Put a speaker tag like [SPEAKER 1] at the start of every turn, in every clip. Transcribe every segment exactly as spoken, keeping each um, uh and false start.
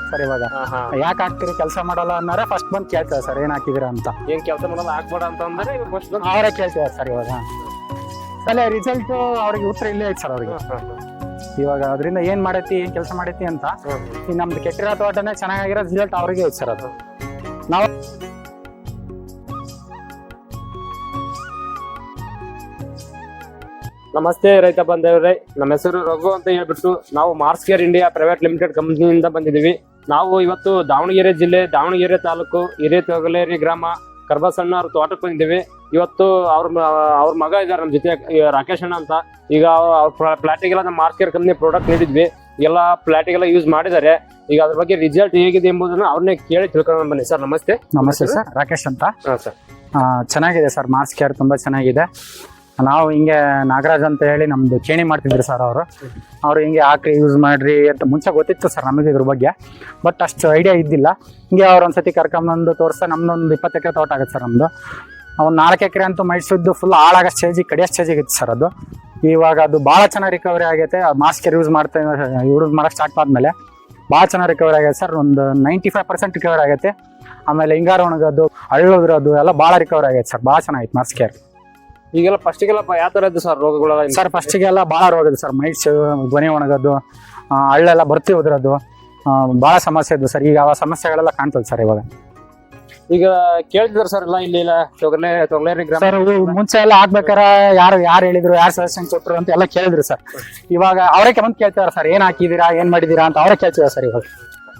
[SPEAKER 1] Sir ಇವಾಗ ಯಾಕೆ ಹಾಕ್ತಿರಿ ಕೆಲಸ ಮಾಡಲ್ಲ ಅನ್ನೋರೆ ಫಸ್ಟ್ ಬಂದು ಕೇಳ್ತಾರೆ ಸರ್ ಏನ್ ಹಾಕಿದಿರಾ ಅಂತ.
[SPEAKER 2] ಏನ್ ಕೆಲಸ ಮಾಡಲ್ಲ ಹಾಕ್ಬೇಡ ಅಂತ ಅಂದ್ರೆ ಫಸ್ಟ್
[SPEAKER 1] ಅವರೇ ಕೇಳ್ತಿದ್ದಾರೆ ಸರ್ ಇವಾಗ. ಅಲ್ಲೇ ರಿಸಲ್ಟ್ ಅವ್ರಿಗೆ ಉತ್ತರ ಇಲ್ಲೇ ಐತೆ ಸರ್ ಅವ್ರಿಗೆ. ಇವಾಗ ಅದರಿಂದ ಏನ್ ಮಾಡೈತಿ ಏನ್ ಕೆಲಸ ಮಾಡೈತಿ ಅಂತ ಈ ನಮ್ದು ಕೆಟ್ಟಿರೋ ತೋಟನೇ ಚೆನ್ನಾಗಿರೋ ರಿಸಲ್ಟ್ ಅವ್ರಿಗೆ ಐತೆ ಸರ್ ಅದು. ನಾವು
[SPEAKER 2] ನಮಸ್ತೆ ರೈತ ಬಂದವ್ರೆ, ನಮ್ಮ ಹೆಸರು ರಘು ಅಂತ ಹೇಳ್ಬಿಟ್ಟು ನಾವು Mars care India private limited ಕಂಪನಿಯಿಂದ ಬಂದಿದ್ದೀವಿ. ನಾವು ಇವತ್ತು ದಾವಣಗೆರೆ ಜಿಲ್ಲೆ ದಾವಣಗೆರೆ ತಾಲೂಕು ಹಿರೇತೊಗಲೇರಿ ಗ್ರಾಮ ಕರ್ಬಸಣ್ಣ ಅವ್ರ ತೋಟಕ್ಕೆ ಬಂದಿದ್ದೀವಿ. ಇವತ್ತು ಅವ್ರ ಅವ್ರ ಮಗ ಇದ್ದಾರೆ ನಮ್ಮ ಜೊತೆ, ರಾಕೇಶ್ ಅಣ್ಣ ಅಂತ. ಈಗ ಅವ್ರ ಪ್ಲಾಟಿಗೆಲ್ಲ ನಮ್ಮ ಮಾರ್ಸ್ ಕೇರ್ ಕಂಪ್ನಿ ಪ್ರಾಡಕ್ಟ್ ನೀಡಿದ್ವಿ, ಎಲ್ಲ ಪ್ಲಾಟಿಗೆಲ್ಲ ಯೂಸ್ ಮಾಡಿದ್ದಾರೆ. ಈಗ ಅದ್ರ ಬಗ್ಗೆ ರಿಸಲ್ಟ್ ಹೇಗಿದೆ ಎಂಬುದನ್ನು ಅವ್ರನ್ನೇ ಕೇಳಿ ತಿಳ್ಕೊಂಡು ಬನ್ನಿ. ಸರ್ ನಮಸ್ತೆ.
[SPEAKER 1] ನಮಸ್ತೆ ಸರ್, ರಾಕೇಶ್ ಅಂತ.
[SPEAKER 2] ಹಾಂ ಸರ್.
[SPEAKER 1] ಚೆನ್ನಾಗಿದೆ ಸರ್, ಮಾರ್ಸ್ ಕೇರ್ ತುಂಬಾ ಚೆನ್ನಾಗಿದೆ. ನಾವು ಹಿಂಗೆ ನಾಗರಾಜ್ ಅಂತ ಹೇಳಿ ನಮ್ದು ಕೇಣಿ ಮಾಡ್ತಿದ್ರು ಸರ್ ಅವರು. ಅವ್ರು ಹಿಂಗೆ ಹಾಕ್ರಿ ಯೂಸ್ ಮಾಡ್ರಿ ಅಂತ ಮುಂಚೆ ಗೊತ್ತಿತ್ತು ಸರ್ ನಮಗೆ ಇದ್ರ ಬಗ್ಗೆ, ಬಟ್ ಅಷ್ಟು ಐಡಿಯಾ ಇದ್ದಿಲ್ಲ. ಹಿಂಗೆ ಅವ್ರು ಒಂದ್ಸತಿ ಕರ್ಕೊಂಬಂದು ತೋರಿಸ್ತಾ ನಮ್ದೊಂದು ಇಪ್ಪತ್ತು ಎಕರೆ ತೋಟ ಆಗುತ್ತೆ ಸರ್ ನಮ್ದು. ಒಂದು ನಾಲ್ಕು ಎಕರೆ ಅಂತೂ ಮೈಸೂದ್ದು ಫುಲ್ ಹಾಳಾಗೋ ಸ್ಟೇಜಿಗೆ ಕಡಿಯೋ ಸ್ಟೇಜಿಗೆ ಇತ್ತು ಸರ್ ಅದು. ಇವಾಗ ಅದು ಭಾಳ ಚೆನ್ನಾಗಿ ರಿಕವರಿ ಆಗೈತೆ. ಮಾಸ್ಕ್ ಕೇರ್ ಯೂಸ್ ಮಾಡ್ತಾ ಯೂಸ್ ಮಾಡೋಕೆ ಸ್ಟಾರ್ಟ್ ಆದಮೇಲೆ ಭಾಳ ಚೆನ್ನಾಗಿ ರಿಕವರಿ ಆಗೈತೆ ಸರ್. ಒಂದು ನೈಂಟಿ ಫೈವ್ ಪರ್ಸೆಂಟ್ ರಿಕವರಿ ಆಗೈತೆ. ಆಮೇಲೆ ಹಿಂಗಾರು ಒಣಗೋದು ಹಳ್ಳೋದ್ರದ್ದು ಎಲ್ಲ ಭಾಳ ರಿಕವರಿ ಆಗೈತೆ ಸರ್. ಭಾಳ ಚೆನ್ನಾಗಿತ್ತು ಮಾಸ್ಕ್ ಕೇರ್.
[SPEAKER 2] ಈಗೆಲ್ಲ ಫಸ್ಟಿಗೆಲ್ಲ ಯಾವ ಥರ ಇದ್ದು ಸರ್ ರೋಗಗಳು?
[SPEAKER 1] ಸರ್ ಫಸ್ಟಿಗೆಲ್ಲ ಭಾಳ ರೋಗ ಇದೆ ಸರ್. ಮೈಟ್ಸ್, ಧ್ವನಿ ಒಣಗೋದು, ಹಳ್ಳೆಲ್ಲ ಬರ್ತಿ ಹೋದ್ರದ್ದು, ಭಾಳ ಸಮಸ್ಯೆ ಇದ್ದು ಸರ್. ಈಗ ಆ ಸಮಸ್ಯೆಗಳೆಲ್ಲ ಕಾಣ್ತದೆ ಸರ್ ಇವಾಗ.
[SPEAKER 2] ಈಗ ಕೇಳ್ತಿದ್ರು ಸರ್ ಎಲ್ಲ ಇಲ್ಲಿ ತೊಗಲೆ ತೊಗಲೇರಿ ಗ್ರಾಮ
[SPEAKER 1] ಸರ್. ಮುಂಚೆ ಎಲ್ಲ ಹಾಕ್ಬೇಕಾರ ಯಾರು ಯಾರು ಹೇಳಿದ್ರು, ಯಾರು ಸಜೆಷನ್ ಕೊಟ್ಟರು ಅಂತ ಎಲ್ಲ ಕೇಳಿದ್ರು ಸರ್. ಇವಾಗ ಅವರೇ ಬಂದು ಕೇಳ್ತಾರೆ ಸರ್ ಏನ್ ಹಾಕಿದೀರಾ ಏನ್ ಮಾಡಿದೀರಾ ಅಂತ ಅವರೇ ಕೇಳ್ತಿದ್ದಾರೆ ಸರ್ ಇವಾಗ.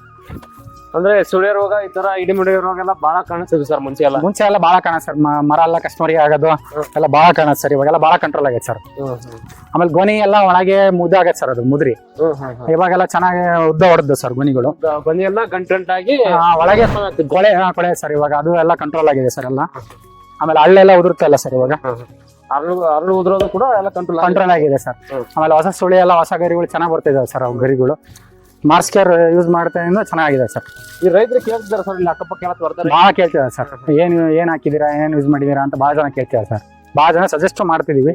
[SPEAKER 2] ಅಂದ್ರೆ ಸುಳಿ ರೋಗ ಈ ತರ ಇಡಿಮಿಡಿ ರೋಗ ಎಲ್ಲ ಬಹಳ ಕಾಣಿಸ್ತಿದೆ ಸರ್. ಮುಂಚೆ ಎಲ್ಲ
[SPEAKER 1] ಮುಂಚೆ ಎಲ್ಲ ಬಹಳ ಕಾಣ ಸರ್. ಮರ ಎಲ್ಲ ಕಸ್ಟಮರಿಗೆ ಆಗೋದು ಎಲ್ಲ ಬಹಳ ಕಾಣುತ್ತೆ ಸರ್. ಇವಾಗೆಲ್ಲ ಬಹಳ ಕಂಟ್ರೋಲ್ ಆಗೈತೆ ಸರ್. ಆಮೇಲೆ ಗೊನಿ ಎಲ್ಲ ಒಳಗೆ ಮುದ್ದೆ ಆಗತ್ತೆ ಸರ್, ಅದು ಮುದ್ರಿ. ಇವಾಗೆಲ್ಲ ಚೆನ್ನಾಗಿ ಉದ್ದ ಹೊಡೆದು ಸರ್ ಗೊನಿಗಳು.
[SPEAKER 2] ಗೊನಿ ಎಲ್ಲ ಗಂಟಂಟಾಗಿ
[SPEAKER 1] ಒಳಗೆ ಕೊಳೆ ಕೊಳೆ ಸರ್. ಇವಾಗ ಅದು ಎಲ್ಲ ಕಂಟ್ರೋಲ್ ಆಗಿದೆ ಸರ್ ಎಲ್ಲ. ಆಮೇಲೆ ಹಳ್ಳೆಲ್ಲ ಉದುರುತ್ತೆ ಅಲ್ಲ ಸರ್ ಇವಾಗ.
[SPEAKER 2] ಅರಳು ಅರಳು ಉದುರೋದು ಕೂಡ ಎಲ್ಲ ಕಂಟ್ರೋಲ್
[SPEAKER 1] ಕಂಟ್ರೋಲ್ ಆಗಿದೆ ಸರ್. ಆಮೇಲೆ ಹೊಸ ಸುಳಿ ಎಲ್ಲ ಹೊಸ ಗರಿಗಳು ಚೆನ್ನಾಗಿ ಬರ್ತಿದ್ದಾವೆ ಸರ್. ಅವು ಗರಿಗಳು ಮಾರ್ಸ್ ಕೇರ್ ಯೂಸ್ ಮಾಡ್ತಾ ಚೆನ್ನಾಗಿದೆ ಸರ್.
[SPEAKER 2] ಈ ರೈತರು ಕೇಳ್ತಿದ್ದಾರೆ ಸರ್, ಇಲ್ಲಿ ಅಕ್ಕಪಕ್ಕ ಎಲ್ಲ ಬರ್ತಾರೆ,
[SPEAKER 1] ಭಾಳ ಕೇಳ್ತಿದ್ದಾರೆ ಸರ್. ಏನ್ ಏನ್ ಹಾಕಿದೀರಾ ಏನ್ ಯೂಸ್ ಮಾಡಿದೀರಾ ಅಂತ ಭಾಳ ಜನ ಕೇಳ್ತಿದ್ದಾರೆ ಸರ್. ಭಾಳ ಜನ ಸಜೆಸ್ಟ್ ಮಾಡ್ತಿದೀವಿ.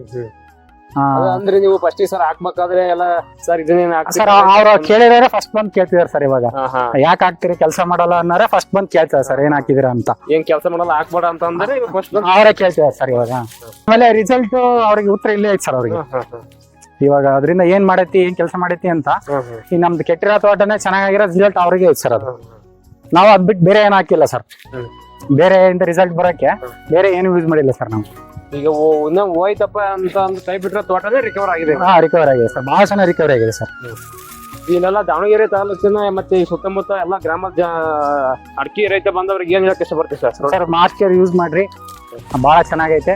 [SPEAKER 2] ಅಂದ್ರೆ ನೀವು ಫಸ್ಟ್ ಸರ್ ಹಾಕ್ಬೇಕಾದ್ರೆ ಎಲ್ಲ ಸರ್ ಇದನ್ನೇನು
[SPEAKER 1] ಸರ್ ಅವ್ರು ಕೇಳಿದಾರೆ ಫಸ್ಟ್ ಬಂದ್ ಕೇಳ್ತಿದಾರೆ ಸರ್. ಇವಾಗ ಯಾಕೆ ಹಾಕ್ತಿರಿ ಕೆಲಸ ಮಾಡಲ್ಲ ಅನ್ನೋರೆ ಫಸ್ಟ್ ಬಂದ್ ಕೇಳ್ತಾರೆ ಸರ್ ಏನ್ ಹಾಕಿದೀರಾ ಅಂತ.
[SPEAKER 2] ಏನ್ ಕೆಲಸ ಮಾಡಲ್ಲ ಹಾಕ್ಬೇಡ ಅಂತ ಅಂದ್ರೆ
[SPEAKER 1] ಅವರೇ ಕೇಳ್ತಿದಾರೆ ಸರ್ ಇವಾಗ. ಆಮೇಲೆ ರಿಸಲ್ಟ್ ಅವ್ರಿಗೆ ಉತ್ತರ ಇಲ್ಲೇ ಐತೆ ಸರ್ ಅವ್ರಿಗೆ. ಇವಾಗ ಅದರಿಂದ ಏನ್ ಮಾಡೈತಿ ಏನ್ ಕೆಲಸ ಮಾಡೈತಿ ಅಂತ ಈ ನಮ್ದು ಕೆಟ್ಟಿರೋ ತೋಟನೇ ಚೆನ್ನಾಗಿರೋ ರಿಸಲ್ಟ್ ಅವ್ರಿಗೆ ಐತೆ ಸರ್ ಅದು. ನಾವು ಅದ್ ಬಿಟ್ಟು ಬೇರೆ ಏನ್ ಹಾಕಿಲ್ಲ ಸರ್. ಬೇರೆ ಇಂದ ರಿಸಲ್ಟ್ ಬರೋಕೆ ಬೇರೆ ಏನು ಯೂಸ್ ಮಾಡಿಲ್ಲ ಸರ್ ನಾವು.
[SPEAKER 2] ಈಗ ಇನ್ನ ಹೋಯ್ತಪ್ಪ ಅಂತ ಒಂದು ಕೈ ಬಿಟ್ರೆ ತೋಟನೇ ರಿಕವರ್ ಆಗಿದೆ.
[SPEAKER 1] ಹಾ ರಿಕವರ್ ಆಗಿದೆ ಸರ್, ಬಹಳ ಚೆನ್ನಾಗಿ ರಿಕವರಿ ಆಗಿದೆ ಸರ್.
[SPEAKER 2] ಇಲ್ಲೆಲ್ಲ ದಾವಣಗೆರೆ ತಾಲೂಕಿನ ಮತ್ತೆ ಈ ಸುತ್ತಮುತ್ತ ಎಲ್ಲ ಗ್ರಾಮದ ಅಡಿಕೆ ರೈತ ಬಂದವ್ರಿಗೆ ಏನ್ ಹೇಳಕ್ ಇಷ್ಟ ಬರ್ತೀವಿ sir?
[SPEAKER 1] Sir mask care use ಮಾಡ್ರಿ, ಬಹಳ ಚೆನ್ನಾಗೈತೆ.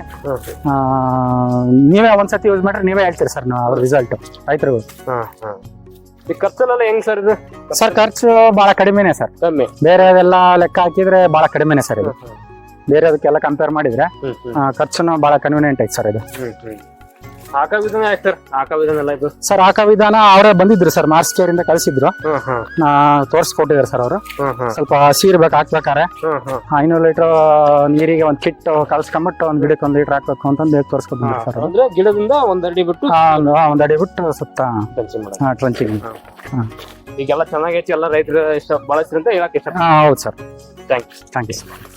[SPEAKER 1] ನೀವೇ ಒಂದ್ಸತಿ ಯೂಸ್ ಮಾಡ್ರಿ ನೀವೇ ಹೇಳ್ತೀರಿ ಸರ್ ಅವ್ರ ರಿಸಲ್ಟ್ ರೈತರಿಗೂ.
[SPEAKER 2] ಈ ಖರ್ಚಲ್ಲೆಲ್ಲ ಹೆಂಗ್ ಸರ್ ಇದು?
[SPEAKER 1] ಸರ್ ಖರ್ಚು ಬಹಳ ಕಡಿಮೆನೆ ಸರ್.
[SPEAKER 2] ಕಮ್ಮಿ.
[SPEAKER 1] ಬೇರೆದೆಲ್ಲ ಲೆಕ್ಕ ಹಾಕಿದ್ರೆ ಬಹಳ ಕಡಿಮೆನೆ ಸರ್ ಇದು. ಬೇರೆದಕ್ಕೆಲ್ಲ ಕಂಪೇರ್ ಮಾಡಿದ್ರೆ ಖರ್ಚುನು ಬಹಳ ಕನ್ವೀನಿಯಂಟ್ ಐತೆ ಸರ್ ಇದು.
[SPEAKER 2] ಹಾಕೋ ವಿಧಾನ ಯಾಕೆ ಸರ್? ಹಾಕೋ ವಿಧಾನ ಎಲ್ಲ ಇದು
[SPEAKER 1] ಸರ್ ಹಾಕೋ ವಿಧಾನ ಅವರೇ ಬಂದಿದ್ರು ಸರ್, ಮಾರ್ಸ್ ಕೇರ್ ಇಂದ ಕಳಿಸಿದ್ರು, ತೋರ್ಸ್ಕೊಟ್ಟಿದ್ದಾರೆ ಸರ್ ಅವರು. ಸ್ವಲ್ಪ ಹಸಿ ಇರ್ಬೇಕು ಹಾಕ್ಬೇಕಾರೆ. ಐನೂರು ಲೀಟರ್ ನೀರಿಗೆ ಒಂದ್ ಕಿಟ್ ಕಲ್ಸ್ಕೊಂಡ್ಬಿಟ್ಟು ಒಂದ್ ಗಿಡಕ್ಕೆ ಒಂದ್ ಲೀಟರ್ ಹಾಕ್ಬೇಕು ಅಂತಂದು ತೋರ್ಸ್ಕೊಟ್ಟಿದ್ದಾರೆ ಸರ್.
[SPEAKER 2] ಅಂದ್ರೆ ಗಿಡದಿಂದ ಒಂದ್ ಅಡಿ ಬಿಟ್ಟು
[SPEAKER 1] ಒಂದ್ ಅಡಿ ಬಿಟ್ಟು ಸುತ್ತ ಟ್ರಂಚಿಂಗ್.
[SPEAKER 2] ಈಗೆಲ್ಲ ಚೆನ್ನಾಗೈತಿ, ಎಲ್ಲ ರೈತರು ಇಷ್ಟ ಬಳಸ್ರಿ ಅಂತ ಹೇಳಕ್ ಇಷ್ಟ.
[SPEAKER 1] ಹೌದು sir.
[SPEAKER 2] Thank you
[SPEAKER 1] thank you sir.